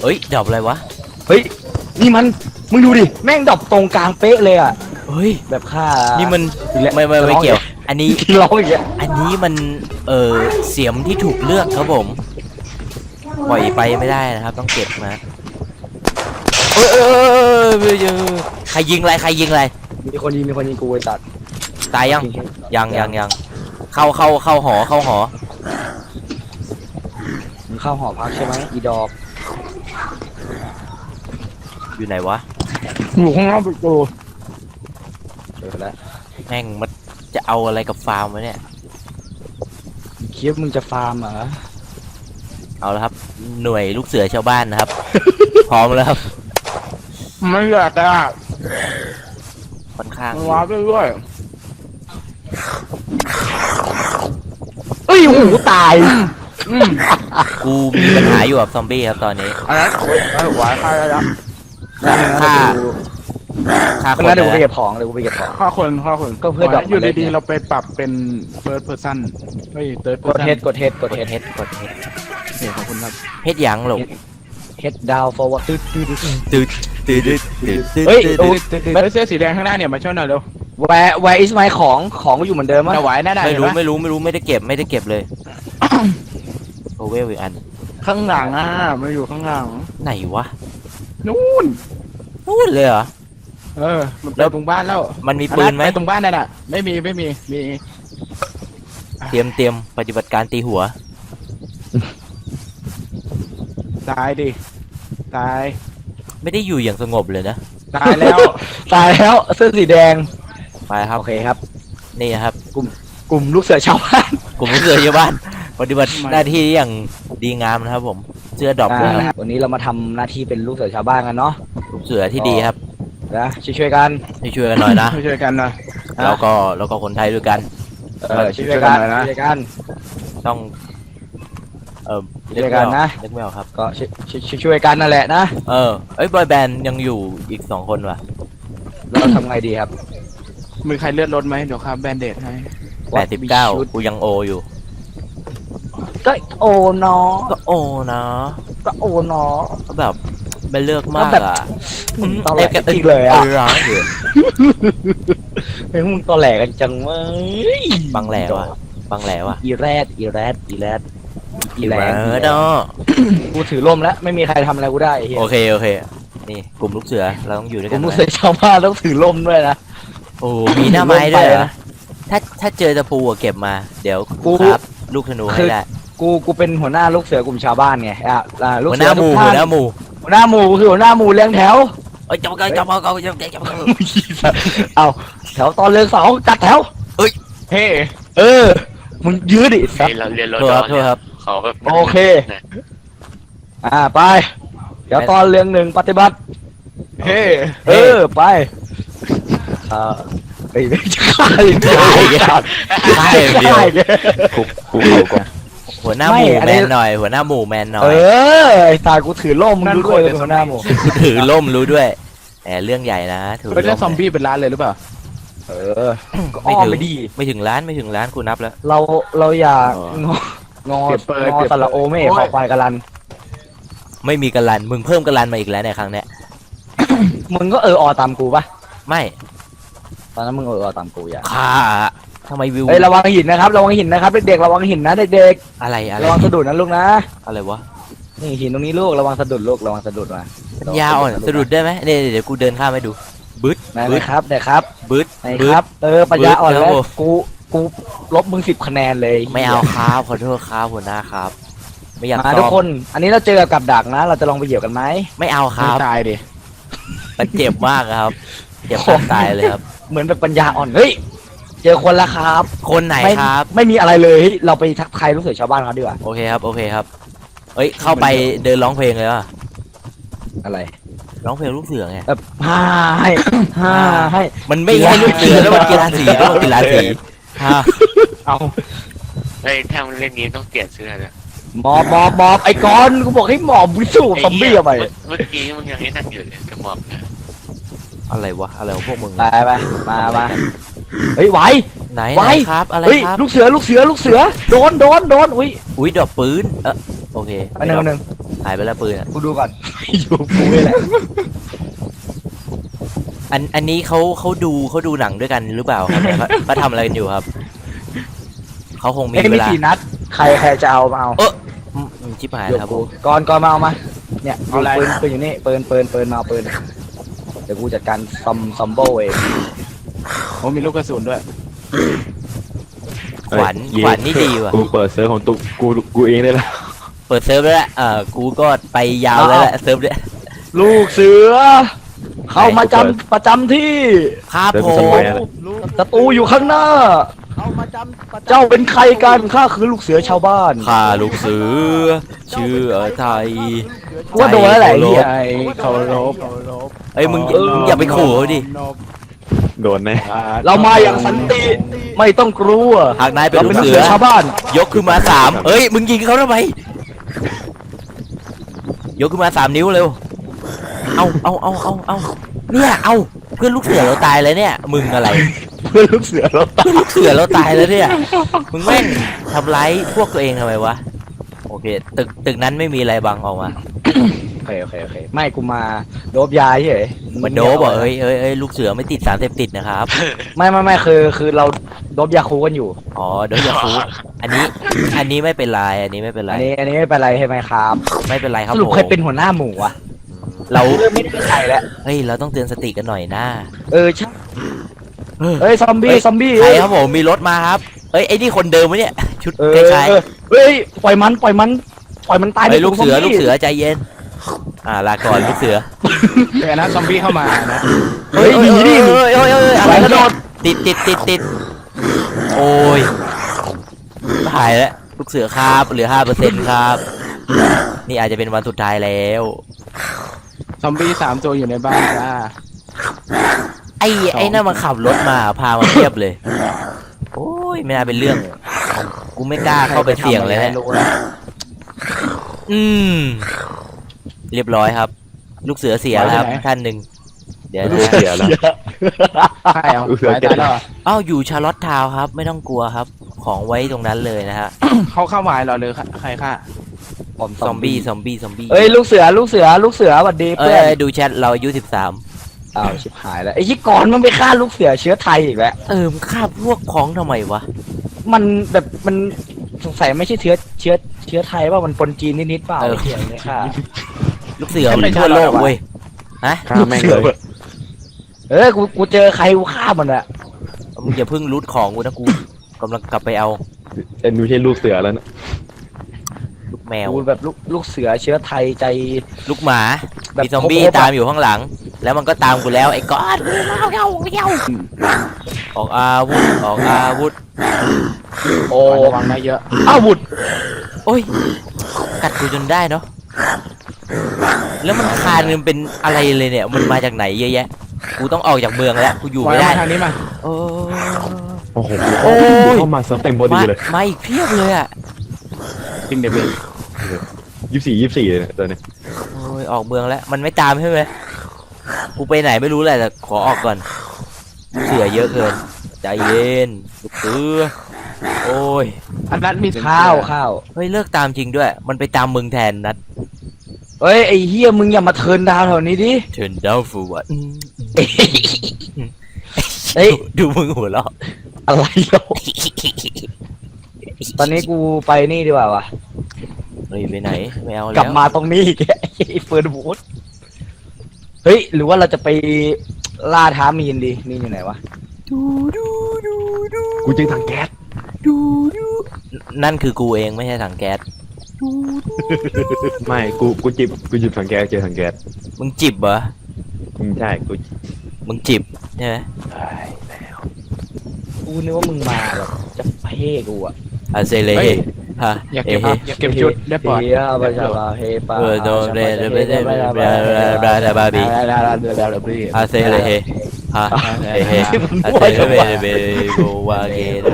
เอ้ยดรอปอะไรวะเฮ้ยนี่มันมึงดูดิแม่งดรอปตรงกลางเป๊ะเลยอ่ะเฮ้ยแบบค่านี่มันอีกแล้วไม่เกี่ยว อันนี้ที่ร้องอีกแล้วอันนี้มันเสียมที่ถูกเลือกครับผมปล่อยไปไม่ได้นะครับต้องเก็บมาใครยิงอะไรมีคนยิงกูไอ้ตัดตายยังเข้าหอมึงเข้าหอพักใช่ไหมอีดอกอยู่ไหนวะอยู่ข้างนอกประตูเจอแล้วแม่งมันจะเอาอะไรกับฟาร์มวะเนี่ยคิดว่ามึงจะฟาร์มเหรอเอาละครับ หน่วยลูกเสือชาวบ้านนะครับ พร้อมแล้วครับไม่อยากอ่ะค่อนข้างว้าไปด้วยเอ้ยหูตายกูมีปัญหาอยู่กับซอมบี้ครับตอนนี้อันนั้นหวายฆ่าได้แล้วฆ่าคเมื่นอเดี๋ยวกูนะไปเก็บของฆ่าคนก็เพื่อดอกอยู่ดีๆเราไปปรับเป็น first person เฮ้ย third กด person เฮดกดเฮดกดเฮดเนี่ยขอบคุณครับเฮดหยังหลงเฮดดาวฟอร์วอร์ดตืดตืดเฮ้ยเฮ้ยเสื้อสีแดงข้างหน้าเนี่ยมาช่วยหน่อยเร็วแวร์อิสไมของก็อยู่เหมือนเดิมมั้ยจะไหวแน่ๆไม่รู้เห็นหไม่ได้เก็บเลยโอเวลอีกอันข้างหลังมาอยู่ข้างหลังไหนวะนู่นพูดเลยเหรอมันไปตรงบ้านแล้วมันมีปืนไหมไปตรงบ้านนั่นน่ะไม่มีมีเตรียมปฏิบัติการตีหัวตายดิตายไม่ได้อยู่อย่างสงบเลยนะตายแล้วตายแล้วเสื้อสีแดงไปครับโอเคครับนี่ครับกลุ่มลูกเสือชาวบ้านกลุ่มลูกเสือชาวบ้าน ปฏิบัติหน้าที่อย่างดีงามนะครับผมเสื้อดรอปเลยครับวันนี้เรามาทำหน้าที่เป็นลูกเสือชาวบ้านกันเนาะลูกเสือที่ดีครับนะช่วยกันช่วยกันหน่อยนะช่วยกันหน่อยแล้วก็คนไทยด้วยกันช่วยกันช่วยกันหน่อยนะช่วยกันต้องช่วยกันนะนึกไม่ออกครับก็ช่วยกันนั่นแหละนะบอยแบนด์ยังอยู่อีก2 คนว่ะเราทำไงดีครับมือใครเลือดลดไหมเดี๋ยวครับแบนเดดให้ 89กูยังโออยู่ก็โอเนาะก็โอนะก็โอเนาะก็แบบไม่เลือกมากอ่ะมึงตอแหลกันจริงเลยอ่ะร้ายอยู่เฮ้ยมึงตอแหลกันจังเว้ยบังแหลวะอีแรดอีแหลงเนาะกูถือร่มแล้วไม่มีใครทำอะไรกูได้ไอ้เหี้ยโอเคนี่กลุ่มลูกเสือเราต้องอยู่ด้วยผกัมนรู้สึกชาวบ้านต้องถือร่มด้วยนะโอ้มีหน้าไม้ด้วยลงไปนะนะถ้าเจอตะปูอะเก็บมา เดี๋ยวกูครับลูกธนูให้ได้กูเป็นหัวหน้าลูกเสือกลุ่มชาวบ้านไงลูกหัวหเสืน้าอหทุมู่กหัท่าวหน้าหมู่หัวหน้าหมู่คือหัวหน้าหมู่เลี้ยงแถวจับเอาแถวตอนเรืองเสาจัดแถวเฮ้มึงยืดดิสัตเราเรียนรถโทษครับดโทษครับเขาแบบโอเค ไปเดี๋ยวตอนเรืองหนึ่งปฏิบัติเฮ้ไปไอ้ไม่ใช่ใช่เดียวหัวหน้าหมู่แมนหน่อยหัวหน้าหมู่แมนหน่อยไอ้ตากูถือร่มมึงรู้ด้วยเป็นหัวหน้าหมู่ถือล่มรู้ด้วยแต่เรื่องใหญ่นะถือเป็นเรื่องซล่อมมบี้เป็นร้านเลยหรือเปล่าก็อ้อมไปดีไม่ถึงล้านกูนับแล้วเราอยากงอสระโอไม่ขอควายกะลันไม่มีกันลันมึงเพิ่มกันลันมาอีกแล้วในครั้งเนี้ยมึงก็อตามกูปะไม่ตอนนั้นมึงตามกูอย่าฆ่าทำไมวิวเฮ้ยระวังหินนะครับระวังหินนะครับเด็กๆระวังหินนะเด็กอะไรๆระวังสะดุดนะลูกนะอะไรวะนี่หินตรงนี้ลูกระวังสะดุดลูกระวังสะดุดมายาอ่อนสะดุดได้ไหมเดี๋ยวกูเดินข้ามไปดูบึ๊ดนะครับบึ๊ดครับปัญญาอ่อนแล้วกูลบมึง10 คะแนนเลยไม่เอาครับขอโทษครับหัวหน้าครับ ไม่อยากมาซ้ทุกอมคน อันนี้เราเจอกับดักนะ เราจะลองไปเหยียบกันไหมไม่เอาครับตายดิมันเจ็บมากครับเจ็บตายเลยครับเหมือนแบบปัญญาอ่อนเฮ้ยเจอคนละครับคนไหนครับไม่มีอะไรเลยเราไปทักทายลูกเสือชาวบ้านเขาดีกว่าโอเคครับเอ้ยเข้าไปเดินร้องเพลงเลยว่ะอะไรร้องเพลงลูกเสือไงแบบให้มันไม่ให้ลูกเสือแล้วมันกีฬาสีแล้วมันกีฬาสีฮะเอาเฮ้ยถ้ามันเล่นนี้ต้องเปลี่ยนเสื้อเลยหมอบไอ้กอนกูบอกให้หมอบวิสูซอมบี้เอาไปเมื่อกี้มันยังให้นั่งอยู่เลยจะหมอบนะอะไรวะอะไรของพวกมึงไปมาเฮ้ยไหวไหนไว้ครับอะไรเฮ้ยครับลูกเสือโดนอุ้ยอุ้ยดอกปืนโอเคอันหนึ่งหายไปแล้วปืนอะกูดูก่อน อยู่กูนี่แหละอันนี้เขาดูหนังด้วยกันหรือเปล่าครับเนี่ยเขาทำอะไรกันอยู่ครับเขาคงมีเอ้ยเวมีลา 4 นัดใครจะเอามาเอาชิบหายเดี๋ยวครับกูผมก่อนมาเอามาเนี่ยเอาปืนอยู่นี่ปืนมาเอาปืนเดี๋ยวกูจัดการซัมโบเองโอ้มีลูกกระสุนด้วยขวัญนี่ดีว่ะกูเปิดเซิร์ฟของตุกูเองได้แล้วเปิดเซิร์ฟแล้วแหละกูก็ไปยาวแล้วแหละเซิร์ฟเนี่ยลูกเสือ เข้ามาประจำที่ครับเซิร์ฟผสมมัยอะไรศัตรูอยู่ข้างหน้า เจ้าเป็นใครกันข้าคือลูกเสือชาวบ้านข้าลูกเสือชื่อไทยกูว่าโดนแล้วแหละไอ้เหี้ยไอ้เคารพเอ้ยมึงอย่าไปขู่เขาดิโดนแน่เรามาอย่างสันติไม่ต้องกลัวหากนายเป็นเราลูเป็นกลูกเสืเสืออชาวบ้านยกขึ้นมา3เอ้ยมึงยิงเขาทำไมยกขึ้นมา3 นิ้วเร็วเอาเนี่ยเอาเพื่อนลูกเสือเราตายแล้วเนี่ยมึงอะไรเพื่อนลูกเสือเราตายเพื่อนลูกเสือเราตายแล้วเนี่ยมึงแม่งทำร้ายพวกตัวเองทำไมวะโอเคตึกนั้นไม่มีอะไรบังออกมาโอเคไม่กูมาโดบยาเฉยเหมือนโดบบอกเอ้ยลูกเสือไม่ติดสารเสพติดนะครับไม่คือเราโดบยาคูกันอยู่อ๋อเดี๋ยวอย่าฟูอันนี้ไม่เป็นไรอันนี้ไม่เป็นไรอันนี้ไม่เป็นไรใช่ไหมครับไม่เป็นไรครับสรุปผมใครเป็นหัวหน้าหมู่วะเราไม่ได้ใครแล้วเฮ้ยเราต้องเตือนสติกันหน่อยนะใช่เฮ้ยซอมบี้ใครครับผมมีรถมาครับเอ้ยไอ้นี่คนเดิมไหมเนี่ยชุดคล้ายเฮ้ยปล่อยมันตายๆไอ้ยลูกเสือใจเย็นลาก่อนลูกเสือเดี๋ยวนะซอมบี้เข้ามานะเฮ้ยหนีดิเอ้ยอะไรกระโดดติดโอ้ยหายแล้วลูกเสือครับเหลือ 5% ครับ นี่อาจจะเป็นวันสุดท้ายแล้วซอมบี้3 ตัวอยู่ในบ้านจ้าไอ้นั่นมันขับรถมาพามาเทียบเลย โอ้ยไม่น่าเป็นเรื่อง กูไม่กล้าเข้าไปเสี่ยงเลยนะเรียบร้อยครับ ลูกเสือเสียแล้วครับท่านหนึ่งเดี๋ยวนะเสียแล้วใช่เอาตายแล้วเหรออ้าวอยู่ชาร์ลอตทาวน์ครับ ไม่ต้องกลัวครับ ของไว้ตรงนั้นเลยนะฮะเขาเข้ามาเหรอหรือใครฆ่าซอมบี้เอ้ยลูกเสือสวัสดีเอ้เพื่อนยดูแชทเราอายุ13 อ้าวชิบหายแล้วไอ้ที่ก่อนมันไปฆ่าลูกเสือเชื้อไทยอีกแล้วมึงฆ่าพวกของทำไมวะมันแบบมันสงสัยไม่ใช่เชื้อไทยว่ามันปนจีนนิดๆเปล่าไอ้เหี้ยเนี่ยค่ะลูกเสือมันทั่วโลกเว้ยฮะฆ่าแม่งเลยกูเจอใครกูฆ่ามันอะมึงอย่าเพิ่งรูทของกูนะกูกำลังกลับไปเอาแต่ไม่ใช่ลูกเสือแล้วนะลูกแมวกูแบบลูกเสือเชื้อไทยใจลูกหมาแบบมีซอมบี้ครบๆอะตามอยู่ข้างหลัง แล้วมันก็ตามกูแล้วไอ้ก้อนออกอาวุธโอ้ระวังนะเยอะอาวุธโอ้ยกัดกูจนได้เนาะแล้วมันคานมันเป็นอะไรเลยเนี่ยมันมาจากไหนเยอะแยะกูต้องออกจากเมืองแล้วกูอยู่ไม่ได้ทางนี้มาโอ้โอ้โหโอ้ยเข้ามาเซิร์ฟเต็มพอดีเลยมาอีกเพียบเลยอ่ะจริงเดบิว 24เลยเนี่ยตอนนี้โอ้ยออกเมืองแล้วมันไม่ตามใช่ไหมกูไปไหนไม่รู้แหละแต่ขอออกก่อนเสือเยอะเกินใจเย็นลูกเสือโอ้ยอันนั้นมีข้าวเฮ้ยเลิกตามจริงด้วย มันไปตามมึงแทนนัดเฮ้ยไอ้เฮียมึงอย่ามาเทิร์นดาวแถวนี้ดิ Turn down for what เฮ้ยดูมึงหัวเราะอะไรเราตอนนี้กูไปนี่ดีกว่าวะเฮ้ยไปไหนไม่เอาแล้วกลับมาตรงนี้อีกแล้วไอ้เฟิร์นบูธเฮ้ยหรือว่าเราจะไปล่าท้ามีนดีมีนอยู่ไหนวะกูเจอถังแก๊สนั่นคือกูเองไม่ใช่ถังแก๊สไม่กูจิบถังแก๊สเจอถังแก๊สมึงจิบเหรอใช่กูมึงจิบใช่ไหมกูนึกว่ามึงมาแบบจะเพ่กูอะอาเซเลเฮฮะอยากเอเก็บเฮอยากเก็บชุดได้ปลอดเฮียบาชาบาเฮปาโดนเรเดเบเดเบราดาบาบีอาเซเลเฮฮะเอเฮอาเซเลเบเบโกวาเกเด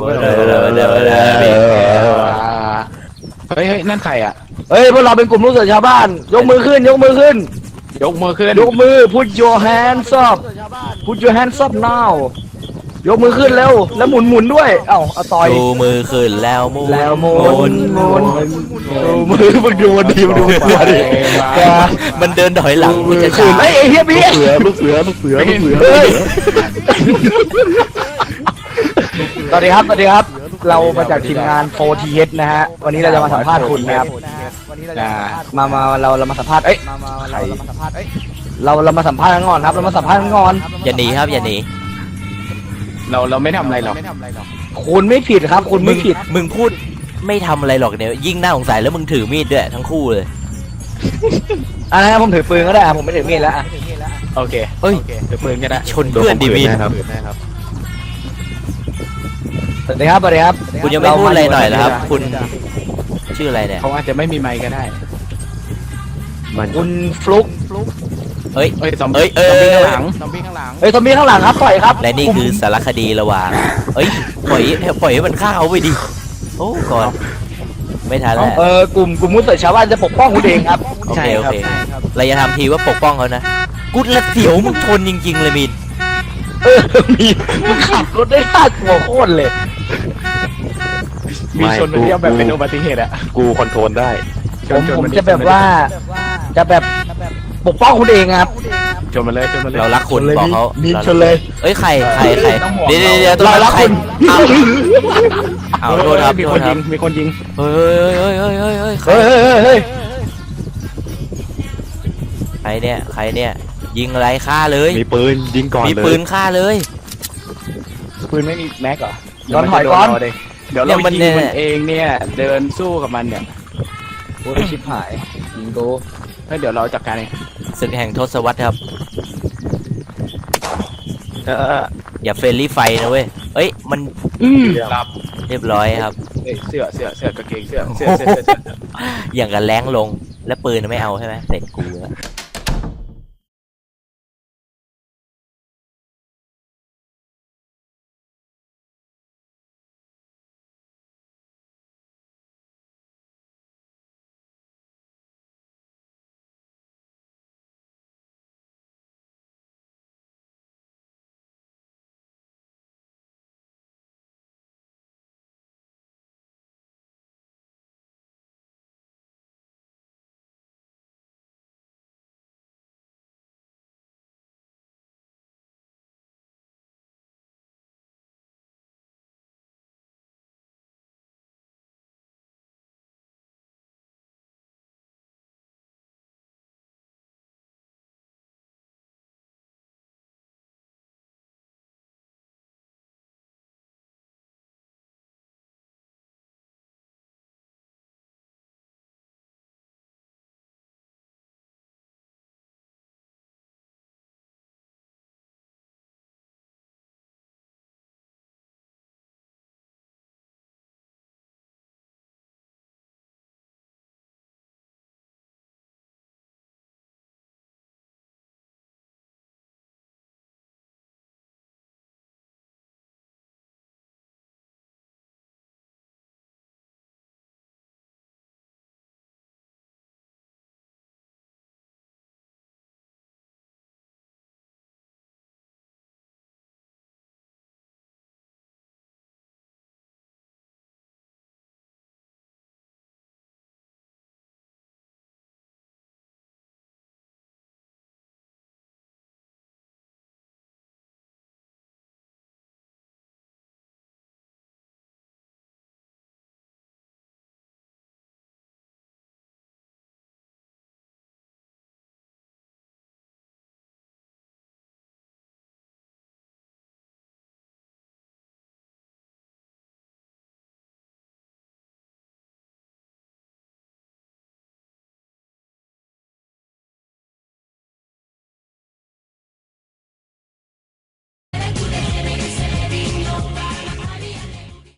เฮ้ยนั่นใครอ่ะเฮ้ยพวกเราเป็นกลุ่มลูกเสือชาวบ้าน ยกมือขึ้นยกมือขึ้นยกมือ put your hands up put your hands up now ยกมือขึ้นเร็วแล้วหมุนด้วยเอ้าเอาต่อยดูมือขึ้นแล้วหมุนแล้วหมุนหมุนดูมือมึงดูมันดีมึงดูมันดิแกมันเดินถอยหลังมันจะคืช้านไอ้เฮียพี่ลูกเสือเฮ้ยสวัสดีครับสวัสดีครับ เรามาจากทีมงาน 4TH นะฮะวันนี้เราจะมาสัมภาษณ์คุณนะครับมาเรามาสัมภาษณ์เรามาสัมภาษณ์กันก่อนครับเรามาสัมภาษณ์กันก่อนอย่าหนีครับอย่าหนีเราไม่ทำอะไรหรอกคุณไม่ผิดครับ คุณไม่ผิดมึงพูดไม่ทำอะไรหรอกเนี่ยยิ่งน่าสงสัยแล้วมึงถือมีดด้วยทั้งคู่เลยอ่ะนะผมถือปืนก็ได้ผมไม่ถือมีดแล้วอ่ะโอเคเอ้ยเดี๋ยวปืนก็ได้ชนเพื่อนดิมีดครับสวัสดีครับสวัสดีครับคุณยังไม่พูดอะไรหน่อยเหรอครับ คุณชื่ออะไรเนี่ยเขาอาจจะไม่มีไมค์ก็ได้มันคุณฟลุกเอ้ยเอ้ยซอมเอ้บี้ยเอ้ยข้างหลังซอมบี้ข้างหลังเฮ้ยทอมบี้ข้างหลังครับปล่อยครับและนี่คือสารคดีระหว่างเอ้ยปล่อยให้มันฆ่าเขาไปดิโอ้ก่อนไม่ทันแล้วกลุ่มมุสลิมชาวบ้านจะปกป้องคุณเองครับโอเคโอเคเราจะทำทีว่าปกป้องเขานะกูละเสียวมึงชนจริงๆเลยมินมีมึงขับรถได้น่ากลัวโคตรเลยมีชนมันเรียกแบบเป็นอุบัติเหตุอะกูคอนโทรลได้ผมจะแบบว่าจะแบบปกป้องคุณเองครับชนมาเลยชนมาเลยเรารักคุณบอกเขามีชนเลยเอ้ยใครเดี๋ยวตรงเรานั้นรักใครคุณเอาโทษครับมีโทคษนคยิรับงมีคนยิงเฮ้ยใครเฮ้ยใครเนี่ยยิงอะไรฆ่าเลยมีปืนยิงก่อนมีเลยปืนฆ่าเลยปืนไม่มีแม็กเหรอย้อนถอยก่อนเดี๋ยวเรายิงมันเองเนี่ยเดินสู้กับมันเนี่ยโอ้ยชิบหายยิงกูเดี๋ยวเราจัดการเองศึกแห่งทศวรรษครับอย่าเฟรนลี่ไฟนะเว้ยเอ้ยมันรับเรียบร้อยครับเสื้อกางเกงเสื้ออย่างกับแรงลงแล้วปืนไม่เอาใช่ไหมเสร็จกูแล้ว